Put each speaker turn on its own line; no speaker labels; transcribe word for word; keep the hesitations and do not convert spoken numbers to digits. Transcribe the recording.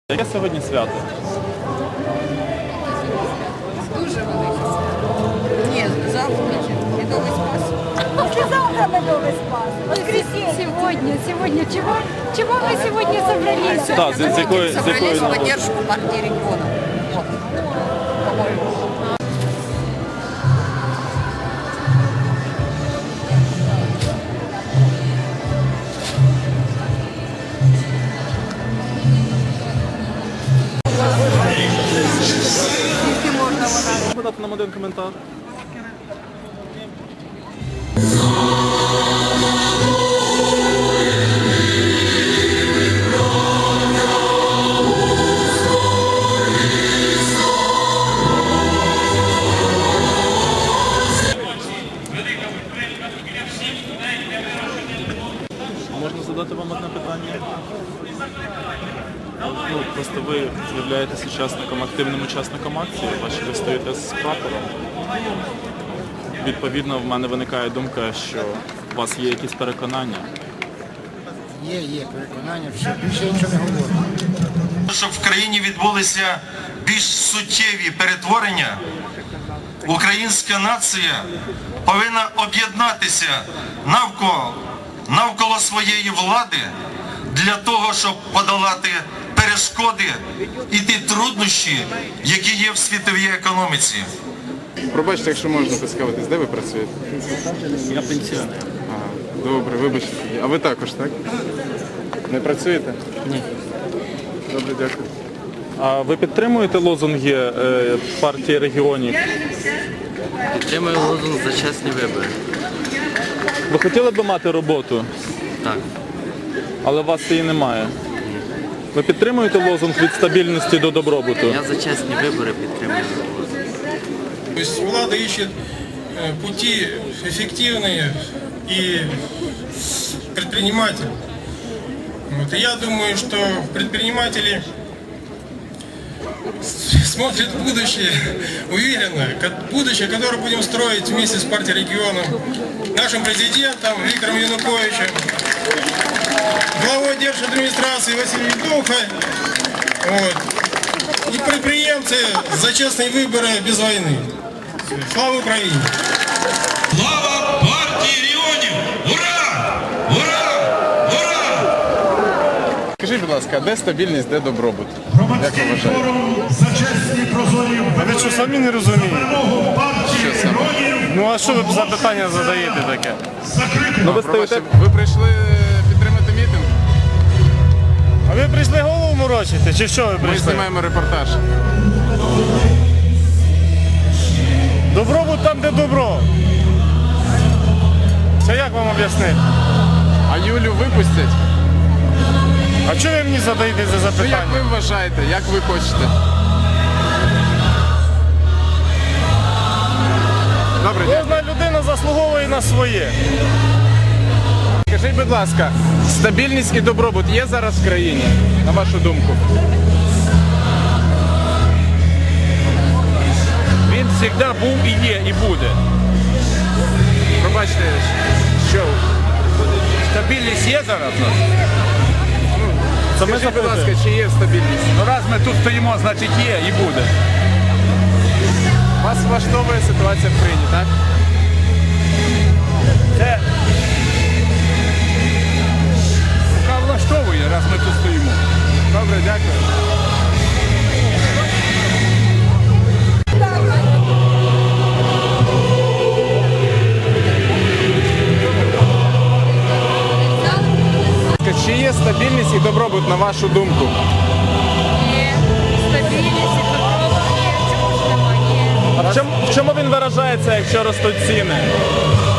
Яке сьогодні свято?
Дуже велике свято. Ні, завтра Медовий Спас.
После завтра Медовый Спас. Воскресенье.
Сегодня, сегодня. Чего, чего мы сегодня собрались?
Так, з, з якої, з
Собрались
якої
в
нагоди?
поддержку партии регионов. Вот. По-моему. Скільки можна вона?
Дати нам один коментар. Можна задати вам одне питання? Ну, просто ви з'являєтесь учасником, активним учасником акції, бачите, ви стоїте з прапором. Відповідно, в мене виникає думка, що у вас є якісь переконання.
Є, є переконання, все, більше нічого не говоримо.
Щоб в країні відбулися більш суттєві перетворення, українська нація повинна об'єднатися навколо, навколо своєї влади для того, щоб подолати перешкоди і ті труднощі, які є в світовій економіці.
Пробачте, якщо можна поцікавитись, де ви працюєте?
Я пенсіонер.
А, добре, вибачте. А ви також, так? Не працюєте?
Ні.
Добре, дякую.
А ви підтримуєте лозунги е, партії регіонів?
Підтримую лозунг за чесні вибори.
Ви хотіли б мати роботу,
Так.
але у вас її немає. Ви підтримуєте лозунг від стабільності до добробуту?
Я за чесні вибори підтримую лозунг.
То есть влада ищет э, пути эффективные и предприниматель. Вот, и я думаю, что предприниматели с- смотрят в будущее уверенно, ко- будущее, которое будем строить вместе с партией регионов, нашим президентом Виктором Януковичем, главой держадминистрации Василием Духой, вот, и предприемцы за честные выборы без войны. Слава Україні!
Слава партії регіонів! Ура! Ура! Ура!
Скажіть, будь ласка, а де стабільність, де добробут? Як ви вважаєте?
А ви що, самі не розумієте?
Що саме?
Ну а що ви за питання задаєте таке?
Ну, ви
Пробачте,
стоїте...
ви прийшли підтримати мітинг?
А ви прийшли голову морочити, чи що ви
Ми
прийшли?
знімаємо репортаж.
Добробут там, де добро. Це як вам об'яснити?
А Юлю випустять?
А чого ви мені задаєте за
Ну як
запитання?
ви вважаєте, як ви хочете? Добре, дякую.
Кожна людина заслуговує на своє.
Скажіть, будь ласка, стабільність і добробут є зараз в країні, на вашу думку?
Він завжди був і є, і буде.
Пробачте, що?
Стабільність є зараз у нас?
Скажіть, будь ласка, чи є стабільність?
Ну раз ми тут стоїмо, значить є і буде.
Вас влаштовує ситуація в країні, так?
Це яка влаштовує, раз ми тут стоїмо.
Добре, дякую. Чи є стабільність і добробут, на вашу думку?
Є стабільність і добробут є. Чому ж немає?
А в чому, в чому він виражається, якщо ростуть ціни?